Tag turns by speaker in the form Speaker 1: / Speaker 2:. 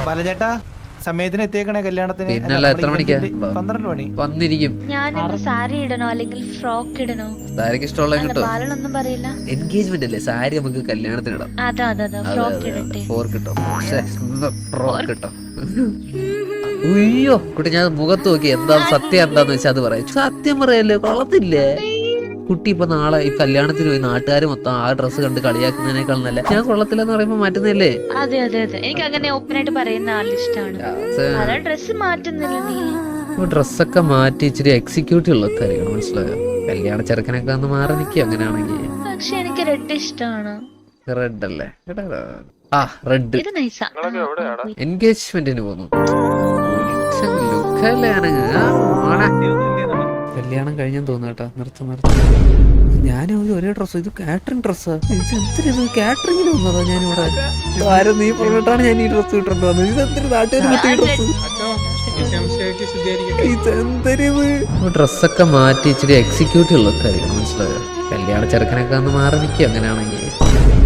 Speaker 1: ബാലചേട്ടാ സമയത്തിന് എത്തിയേക്കണേ കല്യാണത്തിന്.
Speaker 2: പിന്നല്ല, എത്ര മണിക്കാ?
Speaker 1: 12 മണി
Speaker 2: വന്നിരിക്കും.
Speaker 3: ഞാൻ സാരി ഇടണോ അല്ലെങ്കിൽ ഫ്രോക്ക് ഇടണോ?
Speaker 2: സാരിക്ക് ഇഷ്ടമുള്ള കിട്ടോ?
Speaker 3: ബാലനൊന്നും പറയില്ല.
Speaker 2: എൻഗേജ്മെന്റ് അല്ലേ, സാരി നമുക്ക് കല്യാണത്തിന് ഇടാം.
Speaker 3: അതാ ഫ്രോക്ക് ഇടട്ടെ.
Speaker 2: ഫ്രോക്ക് കിട്ടോ? അയ്യോ കുട്ടി, ഞാൻ മുഖത്ത് നോക്കി എന്താ സത്യം എന്താന്ന് വെച്ചാൽ അത് പറയാം. സത്യം പറയല്ലേ, കൊള്ളത്തില്ലേ കുട്ടി? ഇപ്പൊ നാളെ ഈ കല്യാണത്തിന് പോയി നാട്ടുകാർ മൊത്തം ആ ഡ്രസ്സ് കണ്ട് കളിയാക്കുന്നതിനേക്കാൾ നല്ല ഞാൻ കൊള്ളത്തില്ലെന്ന് പറയുമ്പോ മാറ്റുന്നില്ലേ?
Speaker 3: അതെ എനിക്ക് അങ്ങനെ ഓപ്പൺ ആയിട്ട് പറയുന്ന ആളിഷ്ടാണ്. ഡ്രസ് മാറ്റുന്നില്ല നീ.
Speaker 2: ഡ്രസ്സൊക്കെ മാറ്റി ഇച്ചിരി എക്സിക്യൂട്ടീവ് ഉള്ള കാര്യമാണ്, മനസ്സിലായോ? കല്യാണ ചെറുക്കനൊക്കെ ഒന്ന് മാറി നിൽക്കുക അങ്ങനെയാണെങ്കിൽ.
Speaker 3: പക്ഷെ എനിക്ക് റെഡ് ഇഷ്ടമാണ്.
Speaker 2: റെഡ് അല്ലേ? റെഡ്.
Speaker 3: ഇത് നൈസാ.
Speaker 2: എൻഗേജ്മെന്റിന് പോന്നു. കല്യാണം കഴിഞ്ഞെന്ന് തോന്നുന്നു കേട്ടോ. നിർത്ത ഞാനും ഒരേ ഡ്രസ്സ്. ഇത് കാറ്ററിംഗ് ഡ്രസ്സാ. എന്തിനത് കാറ്ററിംഗിന് വന്നതാ ഞാനിവിടെ. ആരും നീ പറഞ്ഞിട്ടാണ് ഞാൻ ഈ ഡ്രസ്സ് ഇട്ടിട്ട് വന്നത്. ഇതെന്തൊരു നാട്ടുകാർ ഡ്രസ്സ്. ഇതെന്തരിത്? ഡ്രസ്സൊക്കെ മാറ്റി ഇച്ചിരി എക്സിക്യൂട്ടീവ് ഉള്ള കാര്യമാണ്, മനസ്സിലായോ? കല്യാണ ചെറുക്കനൊക്കെ ഒന്ന് മാറി നിൽക്കുക അങ്ങനെയാണെങ്കിൽ.